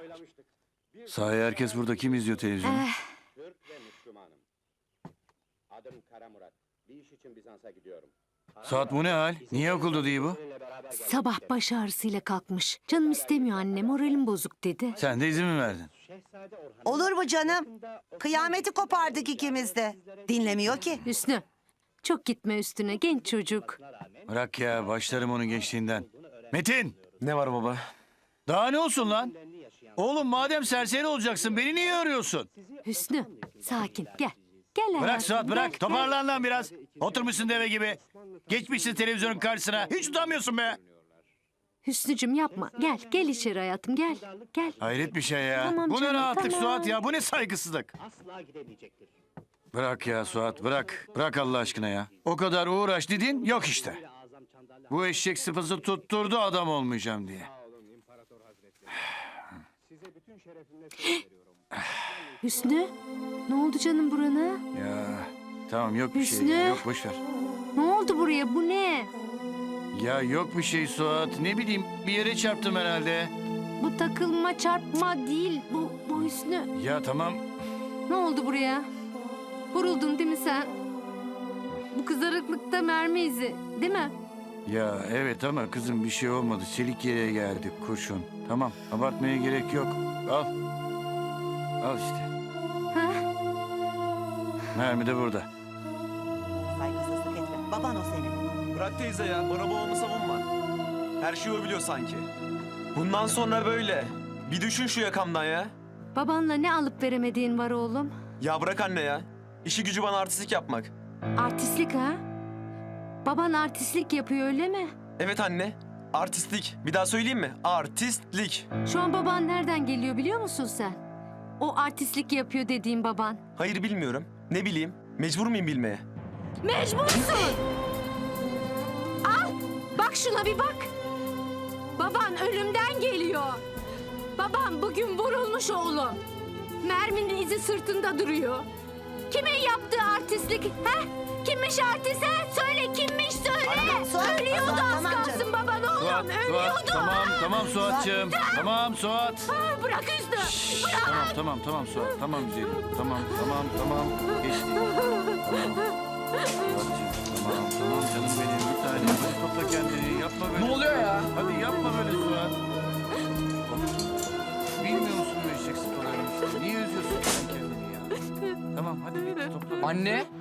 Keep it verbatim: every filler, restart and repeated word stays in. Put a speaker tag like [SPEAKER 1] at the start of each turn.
[SPEAKER 1] Sahi herkes burada kim izliyor televizyonu?
[SPEAKER 2] Eh,
[SPEAKER 3] Türk ve Müslümanım. Adım Kara Murat. Bir iş için Bizans'a gidiyorum.
[SPEAKER 1] Suat bu ne hal? Niye okulda değil bu?
[SPEAKER 2] sabah baş ağrısıyla kalkmış. Canım istemiyor anne, moralim bozuk dedi.
[SPEAKER 1] Sen de izin mi verdin?
[SPEAKER 4] Olur mu canım? Kıyameti kopardık ikimiz de. Dinlemiyor ki.
[SPEAKER 2] Hüsnü, çok gitme üstüne, genç çocuk.
[SPEAKER 1] Bırak ya başlarım onun gençliğinden. Metin!
[SPEAKER 5] Ne var baba?
[SPEAKER 1] Daha ne olsun lan? Oğlum madem serseri olacaksın beni niye arıyorsun?
[SPEAKER 2] Hüsnü, sakin, gel. Gel hayatım.
[SPEAKER 1] Bırak Suat
[SPEAKER 2] gel,
[SPEAKER 1] bırak.
[SPEAKER 2] gel.
[SPEAKER 1] Toparlan lan biraz. Oturmuşsun deve gibi. Geçmişsin televizyonun karşısına. Hiç utanmıyorsun be.
[SPEAKER 2] Hüsnücüm yapma. Gel, gel içeri hayatım, gel. Gel.
[SPEAKER 1] Hayret bir şey ya.
[SPEAKER 2] Tamam
[SPEAKER 1] Bu ne
[SPEAKER 2] canım,
[SPEAKER 1] rahatlık
[SPEAKER 2] tamam.
[SPEAKER 1] Suat ya. Bu ne saygısızlık. Bırak ya Suat bırak. Bırak Allah aşkına ya. O kadar uğraş dedin yok işte. Bu eşek sıfası tutturdu adam olmayacağım diye.
[SPEAKER 2] Hüsnü, ne oldu canım burana?
[SPEAKER 1] Ya tamam yok bir şey.
[SPEAKER 2] Hüsnü.
[SPEAKER 1] ya, Yok boş ver.
[SPEAKER 2] Ne oldu buraya, bu ne?
[SPEAKER 1] Ya yok bir şey Suat. Ne bileyim bir yere çarptım herhalde.
[SPEAKER 2] Bu takılma, çarpma değil, bu, bu Hüsnü.
[SPEAKER 1] Ya tamam.
[SPEAKER 2] Ne oldu buraya? Vuruldun değil mi sen? Bu kızarıklıkta mermi izi, değil mi?
[SPEAKER 1] Ya evet ama kızım bir şey olmadı. Çelik yere geldik kurşun. Tamam abartmaya gerek yok. Al. Al işte.
[SPEAKER 2] Ha?
[SPEAKER 1] Mermi de burada.
[SPEAKER 4] Saygısızlık etme. Baban o senin.
[SPEAKER 5] Bırak teyze ya, bana babamı savunma. Her şeyi o biliyor sanki. Bundan sonra böyle. Bir düşün şu yakamdan ya.
[SPEAKER 2] Babanla ne alıp veremediğin var oğlum?
[SPEAKER 5] Ya bırak anne ya. İşi gücü bana artistlik yapmak.
[SPEAKER 2] Artistlik ha? Baban artistlik yapıyor öyle mi?
[SPEAKER 5] Evet anne, artistlik. Bir daha söyleyeyim mi? Artistlik.
[SPEAKER 2] Şu an baban nereden geliyor biliyor musun sen? O artistlik yapıyor dediğin baban.
[SPEAKER 5] Hayır bilmiyorum. Ne bileyim, mecbur muyum bilmeye?
[SPEAKER 2] Mecbursun! Al! Bak şuna bir bak! Baban ölümden geliyor. Baban bugün vurulmuş oğlum. Merminin izi sırtında duruyor. Kimin yaptığı artistlik? He? Kimmiş artist he? Söyle kimmiş söyle!
[SPEAKER 4] Suat,
[SPEAKER 2] Ölüyordu
[SPEAKER 4] Suat,
[SPEAKER 2] az
[SPEAKER 4] tamam
[SPEAKER 2] kalsın
[SPEAKER 4] canım.
[SPEAKER 2] baban oğlum.
[SPEAKER 1] Suat,
[SPEAKER 2] Ölüyordu.
[SPEAKER 1] Suat, tamam, tamam Suat'cığım. Tamam Suat.
[SPEAKER 2] Ha, bırak Hüsnü. Bırak.
[SPEAKER 1] Tamam, tamam, tamam Suat. Tamam güzelim. Tamam, tamam, tamam. Geçti. Tamam. Suat'cığım, tamam, tamam canım benim. Bir tane hadi topla kendini. Yapma böyle.
[SPEAKER 5] Ne oluyor ya?
[SPEAKER 1] Hadi yapma böyle Suat. Bilmiyor musun bu eşek sıpalarını işte? Niye üzüyorsun sen kendini ya? Tamam hadi bitti topla.
[SPEAKER 6] Anne,